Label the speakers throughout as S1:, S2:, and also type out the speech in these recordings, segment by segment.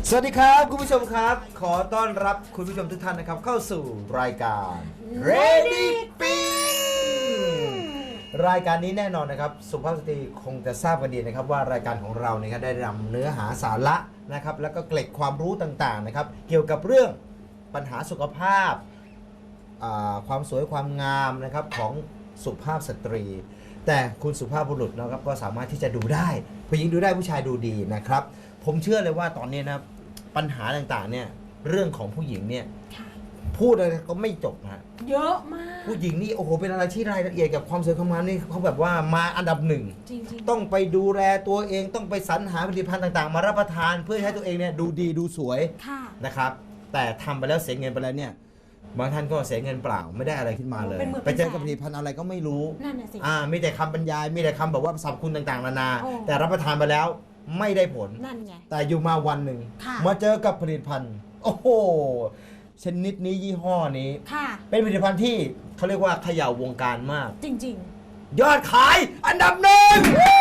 S1: สวัสดีครับคุณผู้ชมครับขอต้อนรับคุณผู้ชมทุกท่านนะครับเข้าสู่รายการ Ready Pin รายการนี้แน่นอนนะครับสุภาพสตรีคงจะทราบกันดีนะครับว่ารายการของเราเนี่ยได้นำเนื้อหาสาระนะครับแล้วก็เกล็ดความรู้ต่างๆนะครับเกี่ยวกับเรื่องปัญหาสุขภาพความสวยความงามนะครับของสุภาพสตรี แต่คุณสุภาพบุรุษนะครับก็สามารถที่จะดูได้ผู้หญิงดูได้ผู้ชายดูดีนะครับผมเชื่อเลยว่าตอนนี้นะปัญหาต่างๆเนี่ยเรื่องของผู้หญิงเนี่ยพูดอะไรก็ไม่จบนะ
S2: เยอะมาก
S1: ผู้หญิงนี่โอ้โหเป็นอะไรที่รายละเอียดกับความสวยความงามนี่เขาแบบว่ามาอันดับหนึ่ง
S2: จริง
S1: ต้องไปดูแลตัวเองต้องไปสรรหาผลิตภัณฑ์ต่างๆมารับประทานเพื่อให้ตัวเองเนี่ยดูดีดูสวยนะครับแต่ทำไปแล้วเสียเงินไปแล้วเนี่ยบางท่านก็เสียเงินเปล่าไม่ได้อะไรขึ้นมาเลยไปเจอกับผลิตภัณฑ์อะไรก็ไม่รู้
S2: นั่นน่ะสิ
S1: มีแต่คำบรรยายมีแต่คำแบบว่าสรรพคุณต่างๆนานาแต่รับประทานไปแล้วไม่ได้ผล
S2: นั่นไง
S1: แต่อยู่มาวันหนึ่งมาเจอกับผลิตภัณฑ์โอ้โหชนิดนี้ยี่ห้อนี้เป็นผลิตภัณฑ์ที่เขาเรียกว่าเขย่าวงการมาก
S2: จริง
S1: ๆยอดขายอันดับหนึ่ง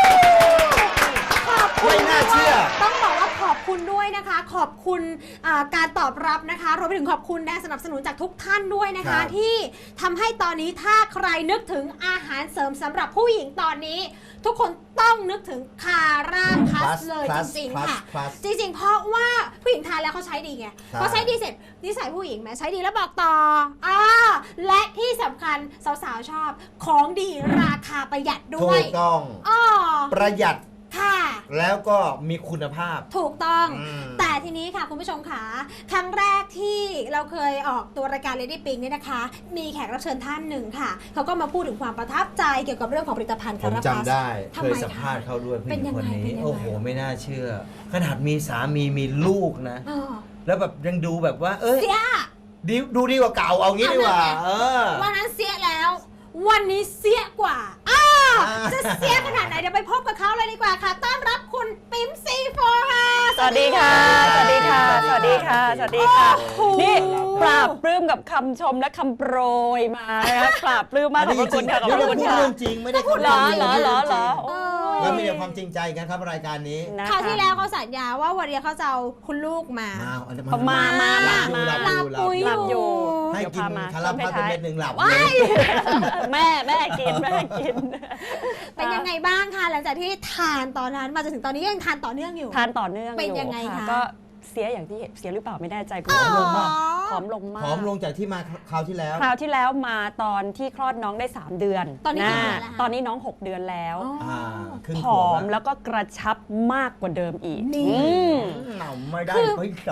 S1: ไม่น่าเชื่อ
S2: ต้องบอกว่าขอบคุณด้วยนะคะขอบคุณการตอบรับนะคะรวมไปถึงขอบคุณแรงสนับสนุนจากทุกท่านด้วยนะคะที่ทำให้ตอนนี้ถ้าใครนึกถึงอาหารเสริมสำหรับผู้หญิงตอนนี้ทุกคนต้องนึกถึงคาร่าพลัสเลยจริงๆค่ะจริงๆเพราะว่าผู้หญิงทานแล้วเขาใช้ดีไงพอใช้ดีเสร็จนิสัยผู้หญิงแม้ใช้ดีแล้วบอกต่อและที่สำคัญสาวๆชอบของดีราคาประหยัดด้วย
S1: ถูกต้องประหยัด
S2: ค่ะ
S1: แล้วก็มีคุณภาพ
S2: ถูกต้องแต่ทีนี้ค่ะคุณผู้ชมค่ะครั้งแรกที่เราเคยออกตัวรายการ Lady Pink เนี่ยนะคะมีแขกรับเชิญท่านหนึ่งค่ะเขาก็มาพูดถึงความประทับใจเกี่ยวกับเรื่องของผลิตภัณฑ์คาราพัส
S1: ผมจำได้เคยสัมภาษณ์เขาด้วยผู้หญิงคนนี้โอ้โหไม่น่าเชื่อขนาดมีสามีมีลูกนะแล้วแบบยังดูแบบว่า
S2: เสีย
S1: ดูดีกว่าเก่าเอางี้ดีกว่า
S2: วันนั้นเสียแล้ววันนี้เสียกว่าจะเสียขนาดไหนเดี๋ยวไปพบกับเขาเลยดีกว่าค่ะต้อนรับคุณปิ๊มซีโฟค่ะ
S3: สวัสดีค่ะสวัสดีค่ะสวัสดีค่ะสวัสดีค่ะนี่ปราบปลื้มกับคำชมและคำโปรยมานะคะปราบปลื้มมากขอบคุณค่ะขอบคุณค่ะ
S1: เรื่องจริงไม่ได้
S3: พูดเหรอ
S1: แล้วมีแต่ความจริงใจกันครับรายการนี้
S2: คราวที่แล้วเขาสัญญาว่าวันนี้เขาจะเอาคุณลูกมา
S3: ลา
S2: ปุยอยู่
S1: ให้กินคาราพัสเม็ดหนึ่งหลับ
S3: แม่กิน
S2: เป็นยังไงบ้างคะหลังจากที่ทานตอนนั้นมาจนถึงตอนนี้ยังทานต่อเนื่องอยู่
S3: เป็น
S2: ยังไงคะ
S3: ก็เสียอย่างที่เสียหรือเปล่าไม่แน่ใจ
S1: ผอมลงมาก
S3: ผอม
S1: ลงจากที่มาคราวที่
S3: แล้วมาตอนที่คลอดน้องได้3 เดือน
S2: ตอน
S3: นี้น้อง6 เดือนแล้วผอมแล้วก็กระชับมากกว่าเดิมอีก
S1: ไม่ได้ไม่โต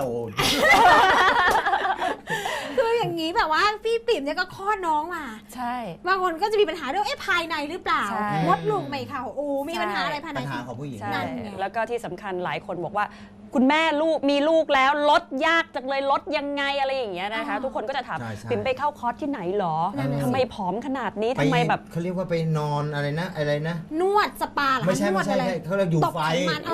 S2: คืออย่างนี้แบบว่าพี่ปิ่มเนี่ยก็คลอดน้องมา
S3: ใช่
S2: บางคนก็จะมีปัญหาเรื่องภายในหรือเปล่ามดลูกไม่เข้ามีปัญหาอะไรภายใน
S1: ปัญหาของผู้หญิง
S3: นั่นแล้วก็ที่สำคัญหลายคนบอกว่าคุณแม่มีลูกแล้วลดยากจังเลยลดยังไงอะไรอย่างเงี้ยนะคะทุกคนก็จะถามปิ่มไปเข้าคอร์สที่ไหนหรอทำไมผอมขนาดนี้ทำไมแบบ
S1: เขาเรียกว่าไปนอนอะไรนะ
S2: นวดสปา
S1: ไม่ใช่เขาเรียกอยู่ไฟ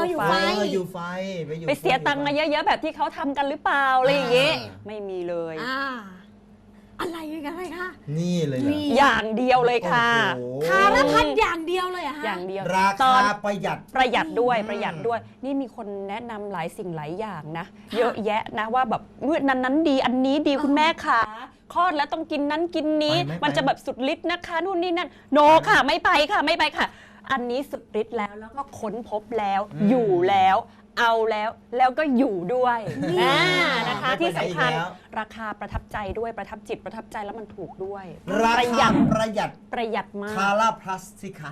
S3: ไปเสียตังค์มาเยอะๆแบบที่เขาทำกันหรือเปล่าอะไรอย่างเงี้ยไม่มีเลย
S2: อะไรกันเลยค่ะ
S1: นี่เลย
S3: อย่างเดียวเลยค่ะ
S2: คาราพัสอย่างเดียวเลยอะ
S3: อย่างเดียว
S1: ราคาประหยัด
S3: ด้วยนี่มีคนแนะนำหลายสิ่งหลายอย่างนะเยอะแยะนะว่าแบบนั้นดีอันนี้ดีคุณแม่ค่ะคลอดแล้วต้องกินนั้นกินนี้มันจะแบบสุดฤทธิ์นะคะนู่นนี่นั่นโนค่ะไม่ไปค่ะอันนี้สุดฤทธิ์แล้วก็ค้นพบแล้วอยู่แล้วเอาแล้วก็อยู่ด้วยนะคะที่สำคัญราคาประทับใจด้วยประทับจิตประทับใจแล้วมันถูกด้วย
S1: ประหยัด
S3: มาก
S1: คาราพลัสสิคะ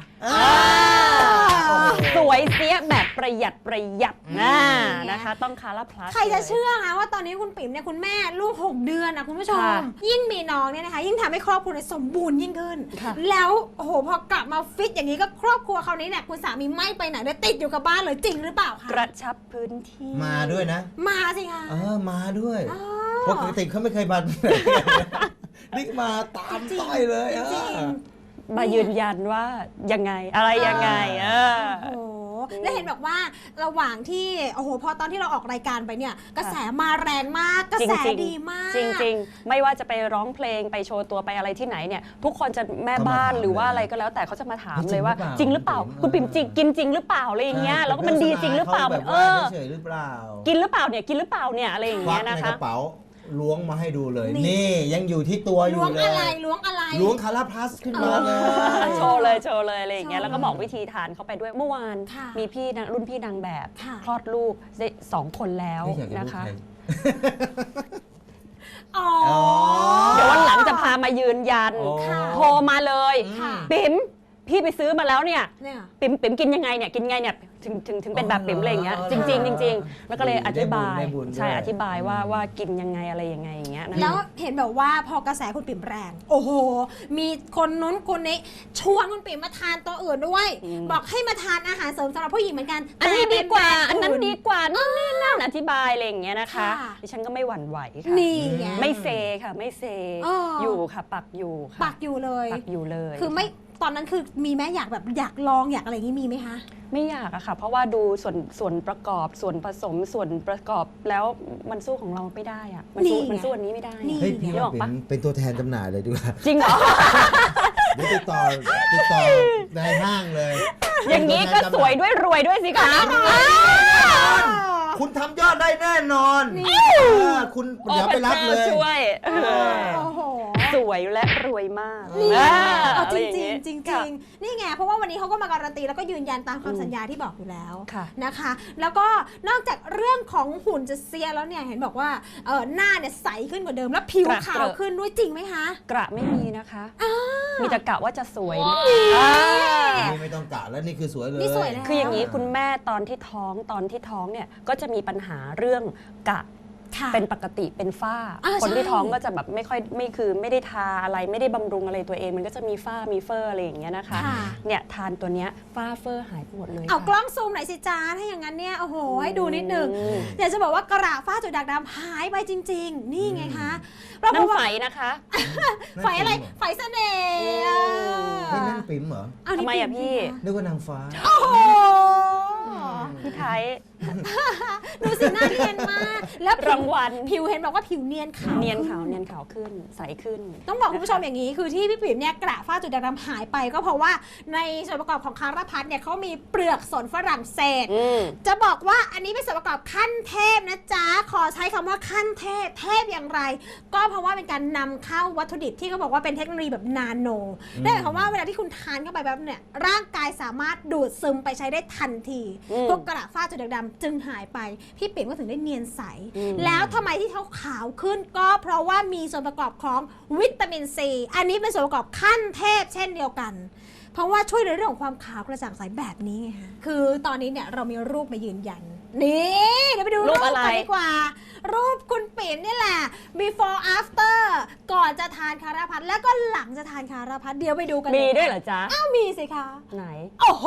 S3: สวยเสียแบบประหยัดนะคะต้องคาราพลัส
S2: ใครจะเชื่อคะว่าตอนนี้คุณปิ๋มเนี่ยคุณแม่ลูก6 เดือนนะคุณผู้ชมยิ่งมีน้องเนี่ยนะคะยิ่งทำให้ครอบครัวสมบูรณ์ยิ่งขึ้นแล้วโอ้โหพอกลับมาฟิตอย่างนี้ก็ครอบครัวเขานี้เนี่ยคุณสามีไม่ไปไหนเลยติดอยู่กับบ้านเลยจริงหรือเปล่าคะ
S3: กระชับพื้นที่
S1: มาด้วยนะ
S2: มาสิคะ
S1: มาด้วยปกติเขาไม่เคยมานี่มาตามต้อยเลย
S3: มายืนยันว่ายังไงอะไรยังไง
S2: และเห็นบอกว่าระหว่างที่โอ้โหพอตอนที่เราออกรายการไปเนี่ยกระแสมาแรงมากกระแสดีมาก
S3: จริงๆ ไม่ว่าจะไปร้องเพลงไปโชว์ตัวไปอะไรที่ไหนเนี่ยทุกคนจะแม่บ้านหรือว่าอะไรก็แล้วแต่เขาจะมาถามเลยว่าจริงหรือเปล่าคุณปิ่มจริงกินจริงหรือเปล่าอะไรอย่างเงี้ยแล้วก็มันดีจริงหรือเปล่า
S1: แบบ เฉยหรือเปล่า
S3: กินหรือเปล่าเนี่ยกินหรือเปล่าเนี่ยอะไรอย่าง
S1: ควั
S3: เงี้
S1: ก
S3: ย
S1: ใน
S3: นะ
S1: ก
S3: คะ
S1: ระเป๋าล้วงมาให้ดูเลย
S2: นี่
S1: นี่ยังอยู่ที่ตัวอยู่
S2: ล้วง
S1: เล
S2: อะไร
S1: ย
S2: ล้วงอะไร
S1: ล้วงคาราพลัสขึ้นมาเลย
S3: โชว์เลยอะไรอย่างเงี้ย
S2: โชว์
S3: แล้วก็บอกวิธีทานเขาไปด้วยเมื่อวาน
S2: ค่ะ
S3: มีพี่รุ่นพี่นางแบบ
S2: ค่ะ
S3: คลอดลูกได้2 คนแล้ว
S1: ไม่อยากจะ
S3: นะ
S1: พูด
S3: คะ
S1: ใคร
S2: อ๋อ
S3: เดี๋ยววันหลังจะพามายืนยัน
S1: โอ้
S3: โทรมาเลย
S2: ค่ะ
S3: ปิ๋มพี่ไปซื้อมาแล้วเนี่ย
S2: เนี่ย
S3: ปิ๋มกินยังไงเนี่ยกินไงเนี่ยถึงเป็นแบบปิ๋มอะไรอย่างเงี้ยจริงๆแล้วก็เลยอธิบาย
S1: ได้บุญ
S3: ใช่
S1: ด้วย
S3: อธิบายว่ากินยังไงอะไรยังไงอย่างเงี้ยนะ
S2: แล้วเห็นแบบว่าพอกระแสคุณปิ่มแรง โอ้โห มีคนนู้นคนนี้ชวนคุณปิ่มมาทานตัวอื่นด้วย บอกให้มาทานอาหารเสริมสำหรับผู้หญิงเหมือนกัน
S3: อันนี้ดีกว่า
S2: แต่
S3: อันนั้น
S2: เป็
S3: ดีกว่านู่นนี่นั่นอธิบายอะไรอย่างเงี้ยนะคะ
S2: ค่ะ
S3: ดิฉันก็ไม่หวั่นไหวค่ะ
S2: นี่ไง
S3: ไม่เซค่ะไม่เซ
S2: อ๋อ
S3: อ
S2: อยู่
S3: ค่ะปักอยู่ค่ะ
S2: ปักอยู่เลย
S3: ปักอยู่เลย
S2: คือไม่ตอนนั้นคือมีไหมอยากแบบอยากลองอยากอะไรอย่างนี้มีไหมคะ
S3: ไม่อยากอะค่ะ เพราะว่าดูส่วนประกอบส่วนผสมส่วนประกอบแล้วมันสู้ของเราไม่ได้อะมันสู้
S2: นี่ไง
S3: มันสู้อันนี้ไม่ได้
S2: นี่
S1: เฮ้ยพี่
S3: นึกอ
S1: ว่า
S3: อกปะ
S1: เป็นตัวแทนจำหน่ายเลยดีกว่า
S3: จริงเหรอ
S1: เดี๋ยวติดต่อในห้างเลย
S3: อย่างนี้ก็สวยด้วยรวยด้วยสิคะ
S1: คุณทำยอดได้แน่นอน
S2: นี่
S1: คุณเดี๋ยวไปรับเลย
S3: ช่วย
S2: โอ้โห
S3: สวยและรวยมาก
S2: นี่ไงเอา
S3: อะ
S2: จ
S3: ไอ
S2: ริ
S3: ย่าง งี้
S2: จริง
S3: ค่ะ
S2: ๆนี่ไงเพราะว่าวันนี้เขาก็มาการันตีแล้วก็ยืนยันตามคำสัญญาที่บอกอยู่แล้ว
S3: ค่ะ
S2: นะคะ แล้วก็นอกจากเรื่องของหุ่นจะเสียแล้วเนี่ยเห็นบอกว่าหน้าเนี่ยใสขึ้นกว่าเดิมแล้วผิวขาวขึ้นด้วยจริงไหมคะ
S3: กระไม่มีนะคะ มีแต่กะว่าจะสวยนะ
S1: นี่ไม่ต้องกะแล้วนี่คือสวยเลย
S2: นี่สวยแล้ว
S3: คืออย่างนี้คุณแม่ตอนที่ท้องเนี่ยก็จะมีปัญหาเรื่องกะ
S2: ค่ะ
S3: เป็นปกติเป็นฝ้า คนที่
S2: ใช่
S3: ท้องก็จะแบบไม่ได้ทาอะไรไม่ได้บำรุงอะไรตัวเอง มันก็จะมีฝ้ามีเฟอร์อะไรอย่างเงี้ยนะคะ
S2: ค่ะ
S3: เนี่ยทานตัวเนี้ยฝ้าเฟอร์หายไปหมดเลย
S2: เอา
S3: ค่ะ
S2: กล้องซูมหน่อยสิจ้าถ้าอย่างนั้นเนี่ยโอ้โหให้ดูนิดนึง
S3: อืม
S2: อยากจะบอกว่ากระฝ้าจุดด่างดำหายไปจริง ๆ นี่ไงคะ
S3: นั่นไฝนะคะ
S2: ไฟอะไรไฟเสน่ห์
S1: ไม่นั่นปิ๋มเหรอ
S2: เอานี่
S3: ทำไมอะ
S2: ปิ่
S3: พี่
S2: สิคะ
S1: นึกว่านางฟ้า
S2: โอ้โห
S3: พี่ไทย
S2: ดูสิหน้าเนียนมากแล้วผิ
S3: รางวัล
S2: ผิวเห็นบอกว่าผิวเนียนขาว
S3: เนียนขาวขึ้นใสขึ้น
S2: ต้องบอกคุณผู้ชมอย่างนี้คือที่พี่ปิ๋มเนี่ยกระฝ้าจุดด่างดำหายไปก็เพราะว่าในส่วนประกอบของคาราพัทเนี่ยเขามีเปลือกสนฝรั่งเศส
S3: อืม
S2: จะบอกว่าอันนี้เป็นส่วนประกอบขั้นเทพนะจ๊ะ ขอใช้คำว่าขั้นเทพ เทพอย่างไร ก็เพราะว่าเป็นการนำเข้าวัตถุดิบที่เขาบอกว่าเป็นเทคโนโลยีแบบนาโนนั่นหมายความว่าเวลาที่คุณทานเข้าไปแบบเนี่ยร่างกายสามารถดูดซึมไปใช้ได้ทันที
S3: อืม
S2: พวกกระฝ้าจุดด่างดำจึงหายไป พี่ปิ่มก็ถึงได้เนียนใส
S3: อืม
S2: แล้วทำไมที่เขาขาวขึ้นก็เพราะว่ามีส่วนประกอบของวิตามินซีอันนี้เป็นส่วนประกอบขั้นเทพเช่นเดียวกัน เพราะว่าช่วยในเรื่องของความขาวกระจ่างใสแบบนี้ไงคะคือตอนนี้เนี่ยเรามีรูปมายืนยัน นี่เดี๋ยวไปดู
S3: รู
S2: รู
S3: ป
S2: ป
S3: อะไร
S2: กันดีกว่า รูปคุณปิ่มนี่แหละ before after ก่อนจะทานคาราพัทแล้วก็หลังจะทานคาราพัทเดี๋ยวไปดูกัน
S3: มีด้วยเหรอจ๊ะ
S2: อ้าวมีสิคะ
S3: ไหน
S2: โอ้โห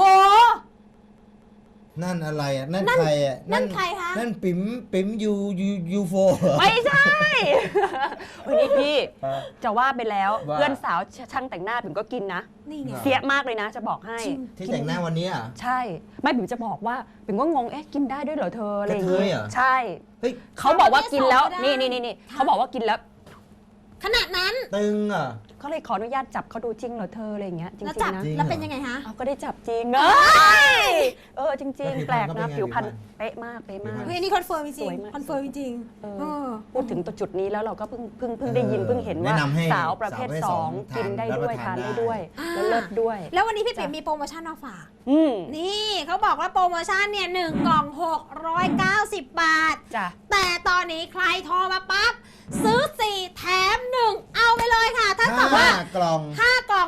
S1: นั่นอะไรอ่ะ นั่นใครอ่ะ
S2: นั่นใครคะ
S1: นั่นปิ๋มยูโฟ
S3: ไม่ใช่วันนี้พี่
S1: ฮะ
S3: จะว่าไปแล้ว
S1: ว่า
S3: เพื่อนสาวช่างแต่งหน้าผมก็กินนะ
S2: นี่ไง
S1: อ่ะ
S3: เสียมากเลยนะจะบอกให้
S2: จริง
S1: ที่แต่งหน้าวันนี้อ่ะ
S3: ใช่ ไม่ผมจะบอกว่าผมก็งงกินได้ด้วยเหรอเธออะไรอย่าง
S1: กระเทยเหรอ
S3: ใช่
S1: เฮ้ย
S3: เขาบอกว่ากินแล้ว
S2: ไม่ได้
S3: นี่
S2: ค่ะ
S3: เขาบอกว่ากินแล้ว
S2: ขนาดนั้น
S1: ตึงอ่ะ
S3: เขาเลยขออนุญาตจับเขาดูจริงเหรอเธออะไรอย่างเงี้ยจริ
S2: แล้ว
S3: ง
S2: จับ
S3: ๆนะ
S1: จริง
S2: แล้วเป็นยังไงคะ
S3: เอาก็ได้จับจริงจริง
S1: แล้วผิว
S3: ๆ แปลก
S1: พรรณ
S3: นะ
S1: ก็เป็นไง
S3: ผิวพรรณ
S1: ผิวพรรณ
S3: เป๊ะมากเป๊ะมาก
S2: เฮ้ยอันนี่คอนเฟิร์มจ
S3: ส
S2: ริง
S3: วยมาก
S2: คอนเฟิร์มจริง
S3: เออ
S2: เออ
S3: พูดถึงตัวจุดนี้แล้วเราก็เพิ่งได้ยินเพิ่งเห็นว่า
S1: แนะนำให้
S3: สาวประเภท
S1: สาวประเภท
S3: ส
S1: ส
S3: อ
S1: อง ง
S3: กินได้ด้วย
S1: ทา
S3: ทาน น
S1: ได้
S3: ได้ด้วย
S2: อ่า
S3: แล้วเลิศด้วย
S2: แล้ววันนี้พี่ปิ่ม
S3: จ้ะ
S2: มีโปรโมชั่นมาฝาก
S3: อืม
S2: นี่เขาบอกว่าโปรโมชั่นเนี่ย1กล่อง 690 บาท
S3: จ้ะ
S2: แต่ตอนนี้ใครโทรมาปั๊บ ซื้อ 4 แถม 1 เอาไปเลยค่ะ ถ้ากับว่า
S1: 5 กล่อง
S2: 5 กล่อง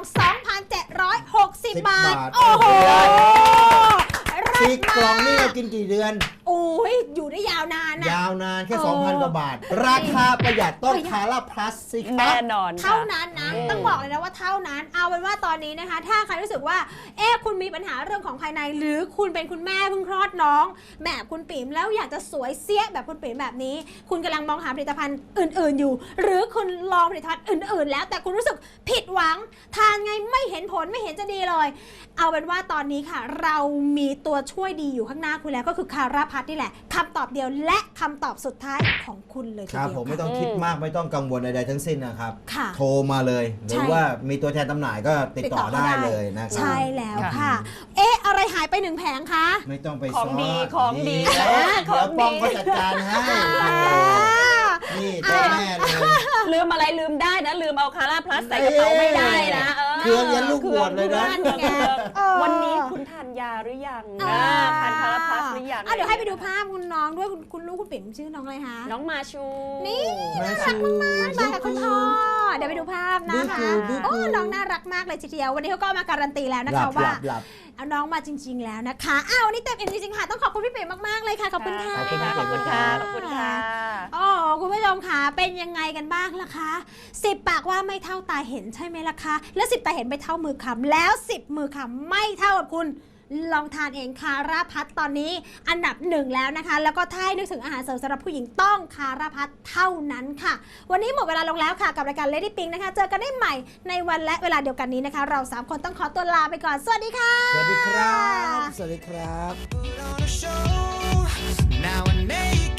S2: 2,760 บาท
S1: บาท
S2: โอ้โห
S1: 10 กล่องนี่เรากินกี่เดือน
S2: โอ้ยอยู่ได้ยาวนานนะ
S1: ยาวนานแค่
S2: เออ
S1: 2,000 กว่าบาท ราคาประหยัดต้องคาร่าพลัสสิครั
S3: แน่
S1: บ
S3: นอนค่ะ
S2: เท่านั้นนะ
S3: อืม
S2: ต้องบอกเลยนะว่าเท่านั้น เอาเป็นว่าตอนนี้นะคะ ถ้าใครรู้สึกว่า คุณมีปัญหาเรื่องของภายใน หรือคุณเป็นคุณแม่เพิ่งคลอดน้อง แบบคุณปิ๋มแล้วอยากจะสวยเสี้ยแบบคุณปิ๋มแบบนี้ คุณกำลังมองหาผลิตภัณฑ์อื่น ๆอยู่ หรือคุณลองผลิตภัณฑ์อื่น ๆ แล้วแต่คุณรู้สึกผิดหวัง ทานไงไม่เห็นผลไม่เห็นจะดีเลย เอาเป็นว่าตอนนี้ค่ะ เรามีตัวช่วยดีอยู่ข้างหน้าคุณแล้วก็คือคาราพัทนี่แหละคำตอบเดียวและคำตอบสุดท้ายของคุณเลยที
S1: ครับ
S2: เดียว
S1: ผมไม่ต้องคิดมากไม่ต้องกังวลใดๆทั้งสิ้นนะครับ
S2: ค่ะ
S1: โทรมาเลย หรือว่ามีตัวแทนจำหน่ายก็ติดต่อได้เลยนะครับ
S2: ใช่แล้วค่ะ
S3: ค่ะ
S2: อะไรหายไป1 แผงคะ
S1: ไม่ต้องไป
S3: ของดี
S1: ซ้
S3: ของดี
S1: เดี๋ยว
S3: ของดี
S1: ป้องเขาจัดการให้นี่เจ้าแม่เลย
S3: ลืมอะไรลืมได้นะ ลืมเอาคาร่าพลัสใส่กระเป๋าไม่ได้นะ
S1: เครื่องยันลูกบวชเลยนะ
S2: นั่นไงเออ
S3: วันนี้คุณทานยาหรือยังทานคาราพลัสหรือยัง
S2: เดี๋ยวให้ไปดูภาพคุณน้องด้วยคุณลูกคุณปิ๋มชื่อน้องอะไรคะ
S3: น้องมาชู
S2: นี่
S1: มาชู
S2: มากับคุณพ่อเดี๋ยวไปดูภาพนะคะ
S1: ดู
S2: โอ้น้องน่ารักมากเลยทีเดียววันนี้เขาก็มาการันตีแล้วนะ
S1: หลั
S2: คะ
S1: บห
S2: ว่า
S1: ลับหลับ
S2: เอาน้องมาจริง ๆ แล้วนะคะวันนี้เต็มอิ่มจริงๆค่ะต้องขอบคุณพี่ปิ๋มมากๆเลยค่ะขอบคุณค่ะ
S1: ขอบคุณ
S3: ขอบคุณค่ะ ขอบคุณค่ะ
S2: อ๋อคุณผู้ชมค่ะเป็นยังไงกันบ้างล่ะคะ10 ปากว่าไม่เท่าตาเห็นใช่ไหมล่ะคะแล้ว10 ตาเห็นไม่เท่ามือคำแล้ว10 มือคำไม่เท่ากับคุณลองทานเองคาราพัทตอนนี้อันดับ1แล้วนะคะ แล้วก็ถ้าให้นึกถึงอาหารเสริมสำหรับผู้หญิงต้องคาราพัทเท่านั้นค่ะ วันนี้หมดเวลาลงแล้วค่ะกับรายการ Lady Pink นะคะเจอกันได้ใหม่ในวันและเวลาเดียวกันนี้นะคะ เรา3คนต้องขอตัวลาไปก่อนสวัสดีค่ะ
S1: สวัสดีครับ สวัสดีครับ
S4: Now and make